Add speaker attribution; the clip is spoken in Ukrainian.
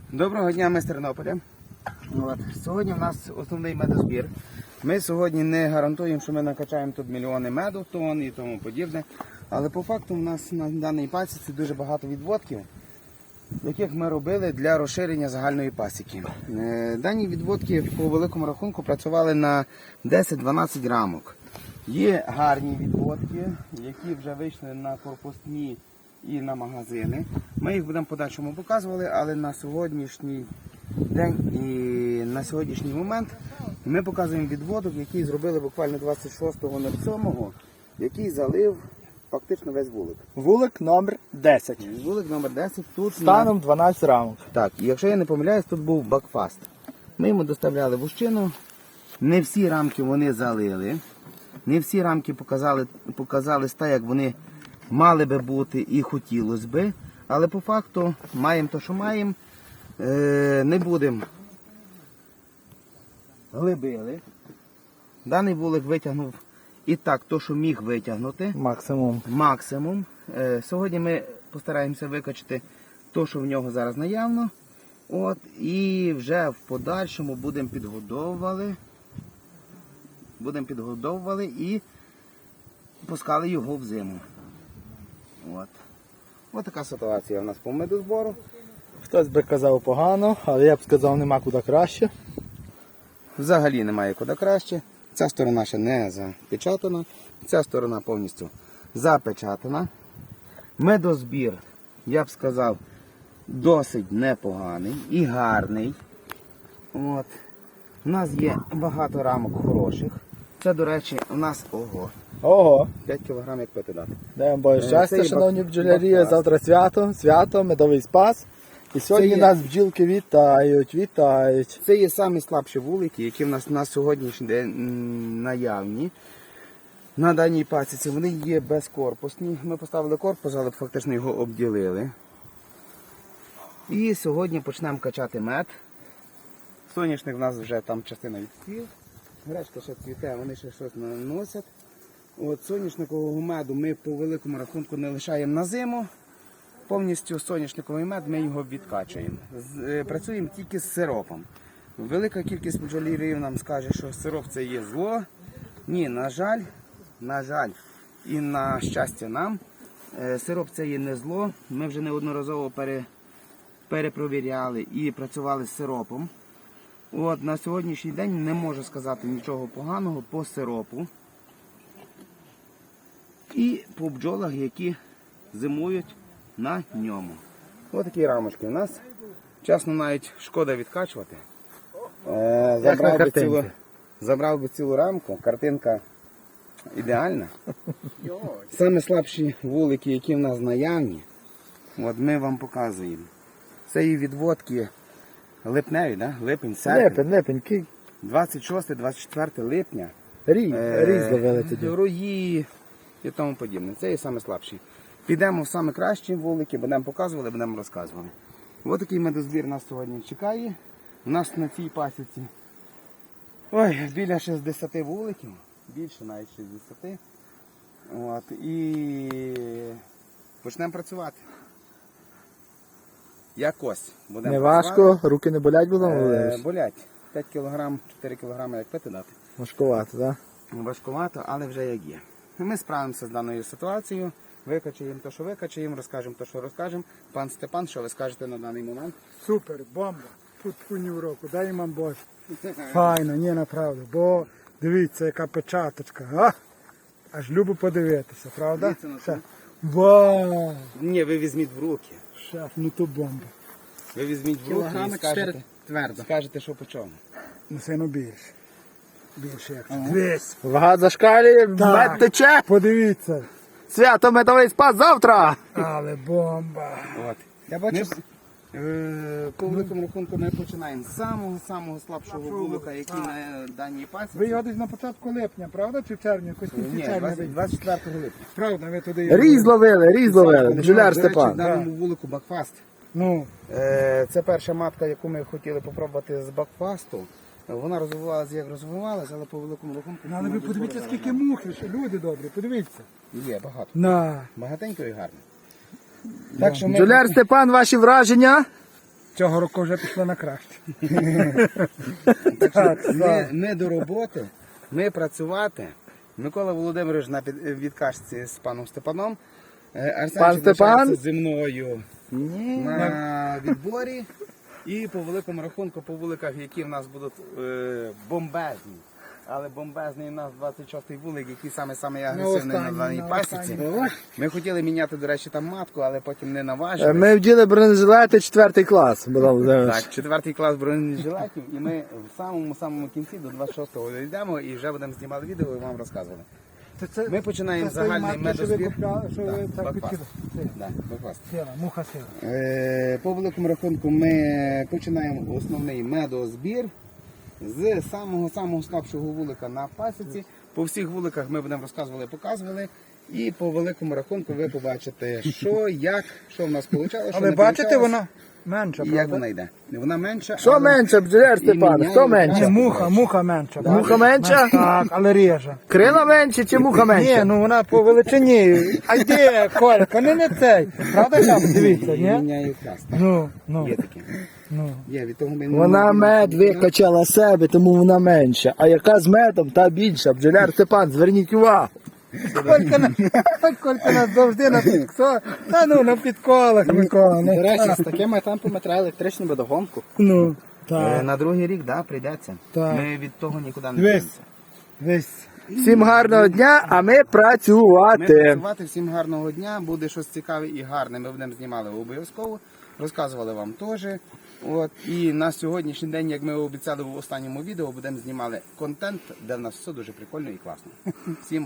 Speaker 1: Доброго дня, ми з Тернополя. Сьогодні у нас основний медозбір. Ми сьогодні не гарантуємо, що ми накачаємо тут мільйони меду, тонн і тому подібне. Але по факту у нас на даній пасіці дуже багато відводків, яких ми робили для розширення загальної пасіки. Дані відводки по великому рахунку працювали на 10-12 рамок. Є гарні відводки, які вже вийшли на корпусні і на магазини. Ми їх будемо подальшому показувати, але на сьогоднішній день і на сьогоднішній момент ми показуємо відводок, який зробили буквально 26.07, який залив фактично весь вулик.
Speaker 2: Вулик номер 10.
Speaker 1: Вулик номер 10. Тут
Speaker 2: Станом 12 рамок.
Speaker 1: Так, і якщо я не помиляюсь, тут був бакфаст. Ми йому доставляли вущину, не всі рамки вони залили, не всі рамки показали так, як вони мали би бути і хотілося би, але по факту маємо те, що маємо, не будемо глибили. Даний вулик витягнув і так, то, що міг витягнути. Максимум. Сьогодні ми постараємося викачати те, що в нього зараз наявно. І вже в подальшому будемо підгодовували і пускали його в зиму. Ось така ситуація у нас по медозбору.
Speaker 2: Хтось би казав погано, але я б сказав, нема куди краще.
Speaker 1: Взагалі немає куди краще. Ця сторона ще не запечатана, ця сторона повністю запечатана. Медозбір, я б сказав, досить непоганий і гарний. У нас є багато рамок хороших. Це, до речі, у нас 5 кг як пити дати.
Speaker 2: Даємо Боже щастя, шановні бджолярі. Завтра свято, медовий спас. І сьогодні нас бджілки вітають.
Speaker 1: Це є самі слабші вулики, які в нас на сьогоднішній день наявні. На даній пасіці вони є безкорпусні. Ми поставили корпус, але фактично його обділили. І сьогодні почнемо качати мед. Соняшник в нас вже там частина відцвів. Гречка ще цвіте, вони ще щось наносять. Соняшникового меду ми по великому рахунку не лишаємо на зиму. Повністю соняшниковий мед ми його відкачуємо. Працюємо тільки з сиропом. Велика кількість бджолярів нам скаже, що сироп це є зло. Ні, на жаль, і на щастя нам, сироп це є не зло. Ми вже неодноразово перепровіряли і працювали з сиропом. На сьогоднішній день не можу сказати нічого поганого по сиропу. І по бджолах, які зимують на ньому. Ось такі рамочки у нас. Чесно, навіть шкода відкачувати. Забрав би цілу рамку, картинка ідеальна. Саме слабші вулики, які в нас наявні, ми вам показуємо. Це і відводки липневі, да? Липень, серпень.
Speaker 2: Липень.
Speaker 1: 26-24 липня.
Speaker 2: Різ довели тоді.
Speaker 1: Рої і тому подібне. Це і саме слабші. Підемо в саме кращі вулики, будемо показувати, будемо розказувати. Ось такий медозбір нас сьогодні чекає. У нас на цій пасіці біля 60 вуликів, більше навіть 60. І почнемо працювати. Якось будемо
Speaker 2: Не
Speaker 1: працювати.
Speaker 2: важко, руки не болять будемо?
Speaker 1: Болять. 5 кг, 4 кг як пити дати.
Speaker 2: Важкувато, так?
Speaker 1: Важкувато, але вже як є. Ми справимося з даною ситуацією. Викачаємо те, що викачаємо, розкажемо те, що розкажемо. Пан Степан, що ви скажете на даний момент?
Speaker 3: Супер, бомба. Тут ні в року, дай вам Боже. Файно, ні, направду. Бо дивіться, яка печаточка. Аж любо подивитися, правда? Вау!
Speaker 1: Ні, ви візьміть в руки.
Speaker 3: Шеф, ну то бомба.
Speaker 1: Ви візьміть в руки і скажете, скажете, що по чому.
Speaker 3: Ну сильно більше. Більше як це. 200.
Speaker 2: Вага зашкалює, мед тече.
Speaker 3: Подивіться.
Speaker 2: Свято, медовий спас завтра.
Speaker 3: Але бомба.
Speaker 2: Я бачу.
Speaker 1: По великому рахунку ми починаємо з самого слабшого вулика, який на даній пасіці.
Speaker 3: Ви його десь на початку липня, правда? Чи в червні? Якось в кінці
Speaker 1: Ні,
Speaker 3: червня.
Speaker 1: 24 липня.
Speaker 3: Правда, ви туди...
Speaker 2: Різ ловили. Бджоляр
Speaker 1: До речі, в
Speaker 2: Степан.
Speaker 1: даному вулику бакфаст.
Speaker 3: Ну,
Speaker 1: Це перша матка, яку ми хотіли попробувати з бакфасту. Вона розвивалася, як розвивалася, але по великому рахунку...
Speaker 3: але ви подивіться, скільки мухи, що люди добрі, подивіться.
Speaker 1: Є багато.
Speaker 3: На.
Speaker 1: Багатенько і гарно. Так що ми...
Speaker 2: Бджоляр Степан, ваші враження?
Speaker 3: Цього року вже пішло на краще.
Speaker 1: Так що ми до роботи, ми працювати. Микола Володимирович на відкачці з паном Степаном. Арсенчик
Speaker 2: Степан?
Speaker 1: зі мною на відборі. І по великому рахунку, по вуликах, які в нас будуть бомбезні. Але бомбезний у нас 26-й вулик, який саме агресивний на даній пасіці. Ми хотіли міняти, до речі, там матку, але потім не наважили.
Speaker 2: Ми вділи бронежилети 4 клас.
Speaker 1: Так, 4 клас бронежилетів, і ми в самому кінці до 26-го дійдемо і вже будемо знімати відео і вам розказувати. Ми починаємо загальний медозбір.
Speaker 3: Що ви так
Speaker 1: Бакфаст.
Speaker 3: підкидали?
Speaker 1: Да, Бакфаст.
Speaker 3: Сіла, муха сіла.
Speaker 1: По великому рахунку ми починаємо основний медозбір з самого слабшого вулика на пасіці. По всіх вуликах ми будемо розказували, показували. І по великому рахунку ви побачите, що, як, що в нас вийшло, що
Speaker 3: Але
Speaker 1: не
Speaker 3: бачите,
Speaker 1: вийшло,
Speaker 3: вона менша,
Speaker 1: і як
Speaker 3: правда?
Speaker 1: вона йде. Вона менша.
Speaker 2: Що
Speaker 1: але
Speaker 2: менше, бджоляр Степан?
Speaker 1: міняє
Speaker 2: Хто
Speaker 3: Ні,
Speaker 2: менше?
Speaker 3: муха менша.
Speaker 2: Муха менша?
Speaker 3: Так, але реже.
Speaker 2: Крила менше чи муха
Speaker 3: Ні,
Speaker 2: менша?
Speaker 3: ну вона по величині. А йде, Колька, не цей. Правда, там, дивіться,
Speaker 1: і
Speaker 3: ні?
Speaker 1: міняє клас. Так.
Speaker 3: Ну,
Speaker 1: Є таке.
Speaker 3: ну.
Speaker 1: Є, від того ми
Speaker 2: Вона мед викачала себе, тому вона менша. А яка з медом, та більша. Бджоляр Степан, зверніть увагу.
Speaker 3: Колька нас завжди на підколах. Та ну, на підколах, Микола.
Speaker 4: До речі, з такими темпами треба електричну водогонку.
Speaker 3: Ну, так,
Speaker 1: На другий рік, да, прийдеться.
Speaker 3: Так.
Speaker 1: Ми від того нікуди не
Speaker 3: Дивись.
Speaker 1: дінемося.
Speaker 3: весь.
Speaker 2: Всім гарного дня, а ми
Speaker 1: Ми
Speaker 2: працювати.
Speaker 1: працювати, всім гарного дня, буде щось цікаве і гарне. Ми будемо знімали обов'язково, розказували вам теж. От. І на сьогоднішній день, як ми обіцяли в останньому відео, будемо знімали контент, де в нас все дуже прикольно і класно. Всім